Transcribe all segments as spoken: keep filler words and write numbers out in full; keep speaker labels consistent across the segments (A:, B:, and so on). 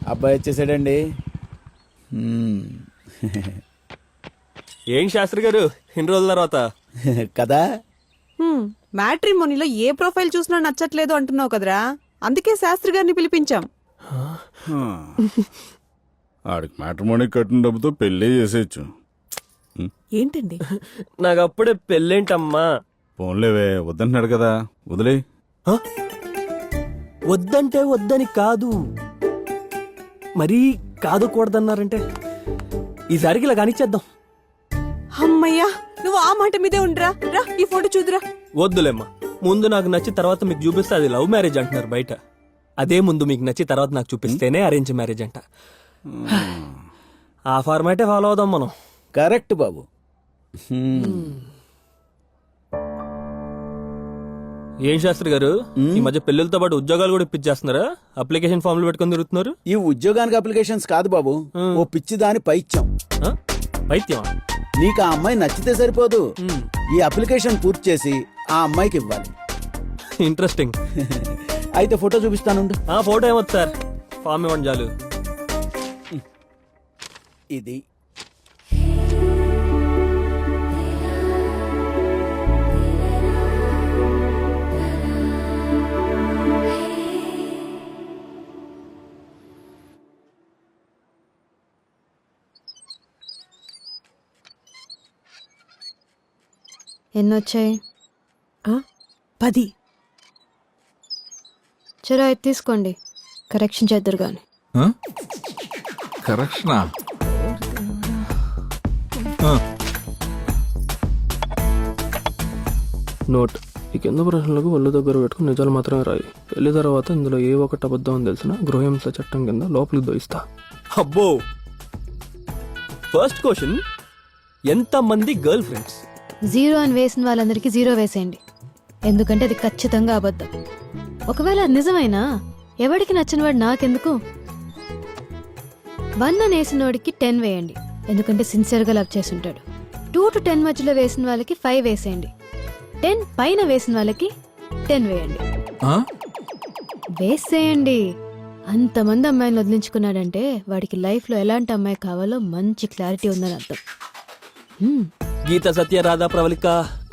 A: అబ్బాయి వచ్చేసాడండి.
B: ఏం శాస్త్రి గారు ఇన్ని రోజుల తర్వాత
A: కదా.
C: మ్యాట్రిమోనీలో ఏ ప్రొఫైల్ చూసినా నచ్చట్లేదు అంటున్నావు కదరా, అందుకే శాస్త్రి గారిని పిలిపించాం.
D: ఆడికి మ్యాట్రిమోనీ కట్టిన డబ్బుతో పెళ్ళే చేసేయచ్చు.
C: ఏంటండి
B: నాకు అప్పుడే పెళ్ళేంటమ్మా?
D: ఫోన్లేవే, వద్దంటున్నాడు కదా, వదిలే.
B: హ? వద్దంటే వద్దని కాదు, మరీ కాదు కూడదన్నారంటే ఈసారికి ఇలా కానిచ్చేద్దాం.
C: అమ్మయ్యా, నువ్వు ఆ మాట మీదే ఉండరా. రా ఈ ఫోటో చూదురా.
B: వద్దులేమ్మా, ముందు నాకు నచ్చి తర్వాత మీకు చూపిస్తే అది లవ్ మ్యారేజ్ అంటున్నారు బయట. అదే ముందు మీకు నచ్చి తర్వాత నాకు చూపిస్తేనే అరేంజ్ మ్యారేజ్ అంట. ఆ ఫార్మాటే ఫాలో అవుదాం మనం.
A: కరెక్ట్ బాబు.
B: ఏం శాస్త్రి గారు, ఈ మధ్య పెళ్లితో పాటు ఉద్యోగాలు కూడా ఇప్పించేస్తున్నారా? అప్లికేషన్ ఫామ్లు పెట్టుకుని తిరుగుతున్నారు.
A: ఈ ఉద్యోగానికి అప్లికేషన్స్ కాదు బాబు, ఓ పిచ్చి దాని పై ఇచ్చాం.
B: పైత్యం?
A: నీకు ఆ అమ్మాయి నచ్చితే సరిపోదు, ఈ అప్లికేషన్ పూర్తి చేసి ఆ అమ్మాయికి ఇవ్వాలి.
B: ఇంట్రెస్టింగ్.
A: అయితే ఫోటో చూపిస్తాను.
B: ఆ ఫోటో ఏమొద్దు సార్, ఫామ్ ఇవ్వండి చాలు.
A: ఇది
E: ఎన్నొచ్చాయి?
C: పది.
E: చలో ఇది తీసుకోండి, కరెక్షన్ చేద్దరు గాని.
F: కరెక్షనా?
B: నోట్: ఈ కింద ప్రశ్నలకు ఒళ్ళు దగ్గర పెట్టుకుని నిజాలు మాత్రమే రాయి. పెళ్లి తర్వాత ఇందులో ఏ ఒక్కటి అబద్ధం అని తెలిసిన గృహహింస చట్టం కింద లోపలికి దోయిస్తా. అబ్బో! ఫస్ట్ క్వశ్చన్, ఎంత మంది గర్ల్ ఫ్రెండ్స్?
E: జీరో అని వేసిన వాళ్ళందరికీ జీరో వేసేయండి, ఎందుకంటే అది ఖచ్చితంగా అబద్ధం. ఒకవేళ అది నిజమైనా ఎవడికి నచ్చినవాడు నాకెందుకు. వన్ అని వేసిన వాడికి టెన్ వేయండి, ఎందుకంటే సిన్సియర్గా లవ్ చేసుంటాడు. టూ టు టెన్ మధ్యలో వేసిన వాళ్ళకి ఫైవ్ వేసేయండి. టెన్ పైన వేసిన వాళ్ళకి టెన్ వేయండి. వేసేయండి. అంతమంది అమ్మాయిని వదిలించుకున్నాడంటే వాడికి లైఫ్లో ఎలాంటి అమ్మాయి కావాలో మంచి క్లారిటీ ఉందని అర్థం.
B: గీత, సత్య, రాధా, ప్రవళిక.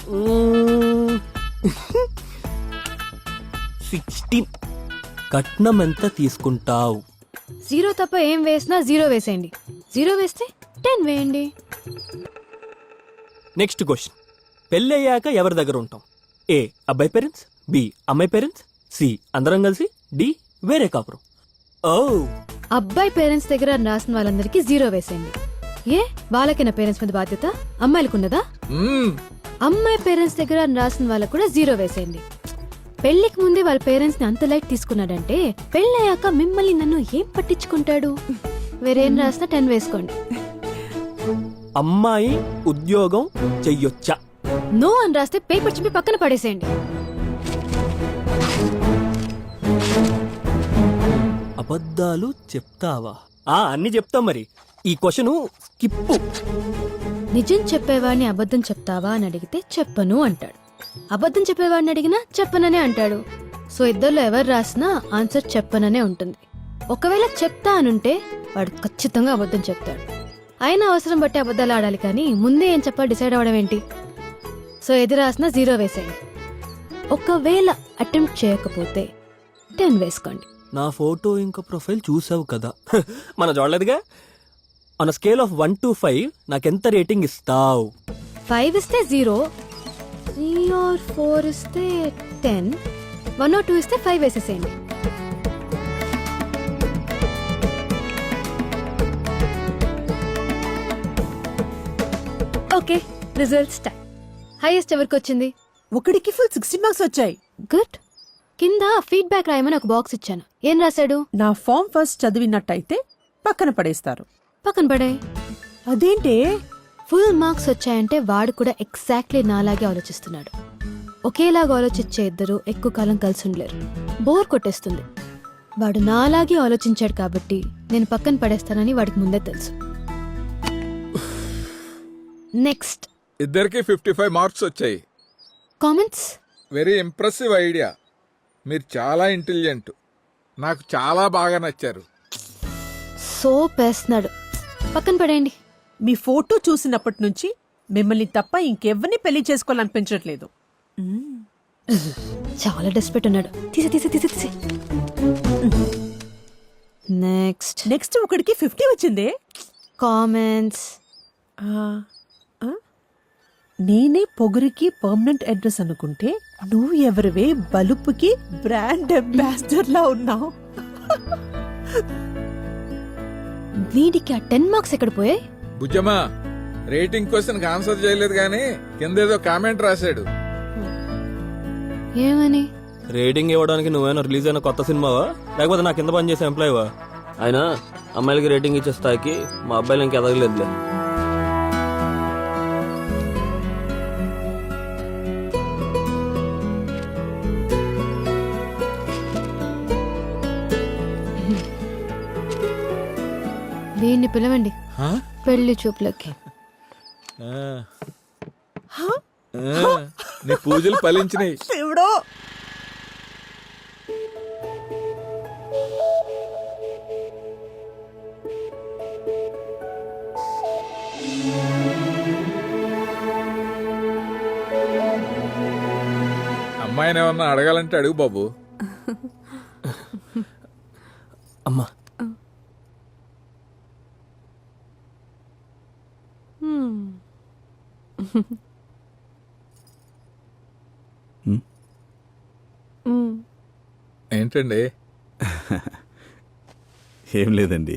B: సిక్స్టీన్. కట్నం ఎంత తీసుకుంటావు?
E: జీరో తప్ప ఏం వేసినా జీరో వేసేయండి. జీరో వేస్తే టెన్ వేయండి.
B: నెక్స్ట్ క్వశ్చన్, పెళ్ళయ్యాక ఎవరి దగ్గర ఉంటాం? ఏ అబ్బాయి పేరెంట్స్, బి అమ్మాయి పేరెంట్స్, సి అందరం కలిసి, డి వేరే కాపురం. ఓ,
E: అబ్బాయి పేరెంట్స్ దగ్గర రాసిన వాళ్ళందరికీ జీరో వేసేయండి. ఏ వాళ్ళకి నా పేరెంట్స్ మీద బాధ్యత అమ్మాయిలకు ఉన్నదా? అమ్మాయి పేరెంట్స్ దగ్గర రాసిన వాళ్ళకు కూడా జీరో వేసేయండి. పెళ్లికి ముందే వాళ్ళ పేరెంట్స్ ని అంత లైట్ తీసుకున్నాడంటే పెళ్ళయ్యాక మిమ్మల్ని నన్ను ఏం పట్టించుకుంటాడు? వేరేం రాసినా టెన్ వేసుకోండి.
B: అమ్మాయి ఉద్యోగం చెయ్యొచ్చా?
E: నో అని రాస్తే పేపర్ చింపి పక్కన పడేసేయండి.
B: అబద్ధాలు చెప్తావా? ఆ అన్ని చెప్తాం. మరి ఈ క్వశ్చన్ స్కిప్.
E: నిజం చెప్పేవాడిని అబద్ధం చెప్తావా అని అడిగితే చెప్పను అంటాడు. అబద్ధం చెప్పేవాడిని అడిగినా చెప్పననే అంటాడు. సో ఇద్దరిలో ఎవరు రాసినా ఆన్సర్ చెప్పననే ఉంటుంది. ఒకవేళ చెప్తా అనుంటే వాడు ఖచ్చితంగా అబద్ధం చెప్తాడు. అయినా అవసరం బట్టి అబద్ధాలు ఆడాలి, కానీ ముందే ఏం చెప్పాలి డిసైడ్ అవ్వడం ఏంటి? సో ఎది రాసినా జీరో వేసేయండి. ఒకవేళ అటెంప్ట్ చేయకపోతే టెన్ వేసుకోండి.
B: నా ఫోటో ఇంకా ప్రొఫైల్ చూసావు కదా, మన చూడలేదుగా. On scale of one to five నాకెంత రేటింగ్ ఇస్తావు?
E: ఫైవ్ ఇస్తే జీరో, త్రీ ఆర్ ఫోర్ ఇస్తే టెన్, వన్ ఆర్ టూ ఇస్తే ఫైవ్ వేసేసేయండి. Okay, results time. హైయెస్ట్ ఎవరికి వచ్చింది?
C: ఒకడికి ఫుల్ సిక్స్టీ మార్క్స్ వచ్చాయి.
E: గుడ్. కింద ఫీడ్బ్యాక్ రాయమని ఒక బాక్స్ ఇచ్చాను. ఏం రాశాడు?
C: నా ఫామ్ ఫస్ట్ చదివినట్టయితే పక్కన పడేస్తారు.
E: పక్కన పడే.
C: అదేంటే?
E: ఫుల్ మార్క్స్ వచ్చాయంటే వాడు కూడా ఎగ్జాక్ట్లీ నాలాగే ఆలోచిస్తున్నాడు. ఒకేలాగా ఆలోచించే ఇద్దరు ఎక్కువ కాలం కలిసి ఉండలేరు, బోర్ కొట్టేస్తుంది. వాడు నాలాగే ఆలోచించాడు కాబట్టి నేను పక్కన పడేస్తానని వాడికి ముందే తెలుసు. నెక్స్ట్.
F: ఇద్దరికి ఫిఫ్టీ ఫైవ్ మార్క్స్ వచ్చాయి.
E: కామెంట్స్?
F: Very impressive idea. మీరు చాలా ఇంటెలిజెంట్, నాకు చాలా బాగా నచ్చారు.
E: సోప్ వేస్తున్నాడు. పక్కన పడేయండి.
C: మీ ఫోటో చూసినప్పటి నుంచి మిమ్మల్ని తప్ప ఇంకెవ్వరిని పెళ్లి చేసుకోవాలనిపించట్లేదు.
E: చాలా డెస్పెట్ ఉన్నాడు. తీసే తీసే తీసే తీసే నెక్స్ట్
C: నెక్స్ట్ ఒకడికి ఫిఫ్టీ వచ్చిందే.
E: కామెంట్స్.
C: ఆ, ఆ? నేనే పొగరికి పర్మనెంట్ అడ్రస్ అనుకుంటే నువ్వు ఎవరివే బలుపుకి బ్రాండ్ అంబాసిడర్ లా ఉన్నావు.
E: వీడికి ఆ టెన్ మార్క్స్ ఎక్కడ పోయాయి?
F: బుజ్జమ్మా రేటింగ్ క్వశ్చన్ ఆన్సర్ చేయలేదు గానీ కింద ఏదో కామెంట్ రాశాడు.
E: ఏమని?
B: రేటింగ్ ఇవ్వడానికి నువ్వేనా రిలీజ్ అయిన కొత్త సినిమావా లేకపోతే నా కింద పనిచేసే ఎంప్లాయీవా? అయినా అమ్మాయిలకి రేటింగ్ ఇచ్చే స్థాయికి మా అబ్బాయిలు ఇంక ఎదగలేదులే.
E: వీడిని పిలవండి
F: హా?
E: పెళ్లి చూపులకి.
F: ఆ. ఆ, నీ పూజలు ఫలించినాయి.
C: దేవుడో
F: అమ్మాయిని ఏమన్నా అడగాలంటే అడుగు బాబు.
B: అమ్మా
F: ఏంటండి?
D: ఏం లేదండి.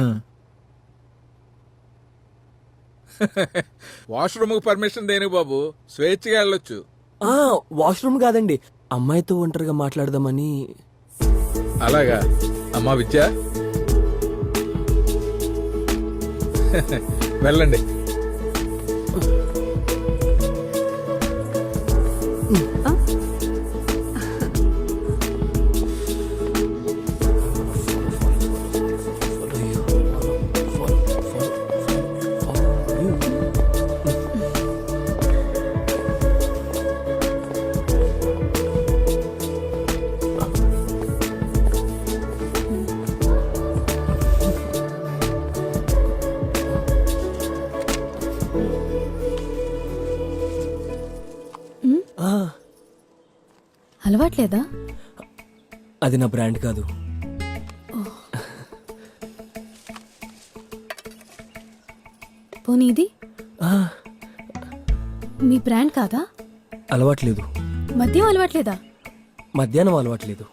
F: వాష్రూమ్ పర్మిషన్ దేని బాబు, స్వేచ్ఛగా వెళ్ళొచ్చు.
B: వాష్రూమ్ కాదండి, అమ్మాయితో ఒంటరిగా మాట్లాడదామని.
F: అలాగా అమ్మా విద్య వెళ్ళండి.
E: అలవాట్లేదా?
B: అది నా బ్రాండ్ కాదు.
E: పోనీ ఇది
B: ఆ,
E: మీ బ్రాండ్ కాదా?
B: అలవాట్లేదు.
E: మద్యం అలవాట్లేదా?
B: మధ్యాహ్నం అలవాట్లేదు.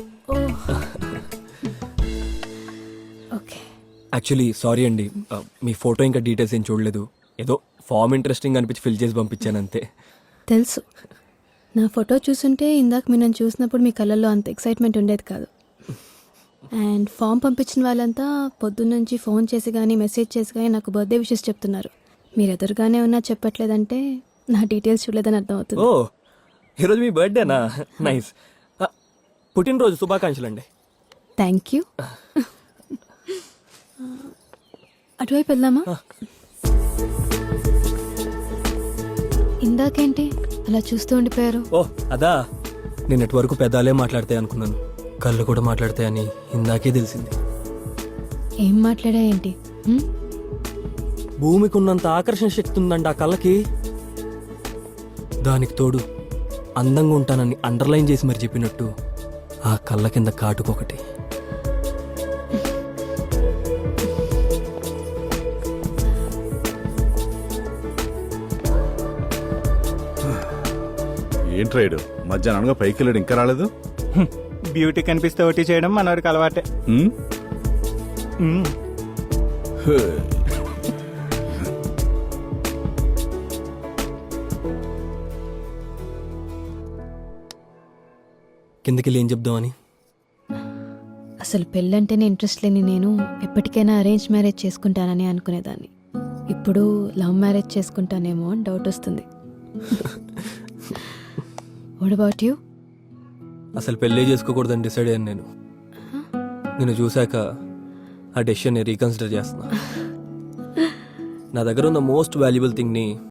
E: ఓకే.
B: యాక్చువల్లీ సారీ అండి, ఆ, మీ ఫోటో ఇంకా డీటెయిల్స్ ఏం చూడలేదు. ఏదో ఫామ్ ఇంట్రెస్టింగ్ అనిపించి ఫిల్ చేసి పంపించాను అంతే.
E: తెలుసు. నా ఫోటో చూసుంటే ఇందాక మీరు నన్ను చూసినప్పుడు మీ కళ్ళల్లో అంత ఎక్సైట్మెంట్ ఉండేది కాదు. అండ్ ఫామ్ పంపించిన వాళ్ళంతా పొద్దున్నుంచి ఫోన్ చేసి కానీ మెసేజ్ చేసి కానీ నాకు బర్త్డే విషెస్ చెప్తున్నారు. మీరు ఎదురుగానే ఉన్నా చెప్పట్లేదంటే నా డీటెయిల్స్ చూడలేదని అర్థం అవుతుంది.
B: ఓ, ఈరోజు మీ బర్త్డేనా? నైస్. ఆ, పుట్టినరోజు శుభాకాంక్షలు అండి.
E: Thank you. అటువైపు వెళ్దామా? ఇందాకేంటి అలా చూస్తూ ఉండిపోయారు?
B: ఓ అదా, నిన్నటి వరకు పెదాలే మాట్లాడతాయి అనుకున్నాను, కళ్ళు కూడా మాట్లాడతాయని ఇందాకే తెలిసింది.
E: ఏం మాట్లాడా ఏంటి? హ్మ్?
B: భూమికి ఉన్నంత ఆకర్షణ శక్తి ఉందండి ఆ కళ్ళకి. దానికి తోడు అందంగా ఉంటానని అండర్లైన్ చేసి మరి చెప్పినట్టు ఆ కళ్ళ కింద కాటుకొకటి.
D: ఏంటి రైడు మధ్యాహ్నంగా పైకి వెళ్ళాడు ఇంకా రాలేదు?
G: బ్యూటీ కనిపిస్తే ఒకటి చేయడం మనవాడికి అలవాటే.
D: ఉమ్?
G: మ్మ్.
D: హే.
B: కిందకి ఏం చెప్దామని.
E: అసలు పెళ్ళంటేనే ఇంట్రెస్ట్ లేని నేను ఎప్పటికైనా అరేంజ్ మ్యారేజ్ చేసుకుంటానని అనుకునేదాన్ని. ఇప్పుడు లవ్ మ్యారేజ్ చేసుకుంటానేమో అని డౌట్ వస్తుంది. What about you?
B: అసలు పెళ్ళే చేసుకోకూడదని డిసైడ్ అయ్యాను నేను. నేను చూశాక ఆ డెసిషన్ రీకన్సిడర్ చేస్తున్నా. నా దగ్గర ఉన్న మోస్ట్ వాల్యుబుల్ థింగ్ని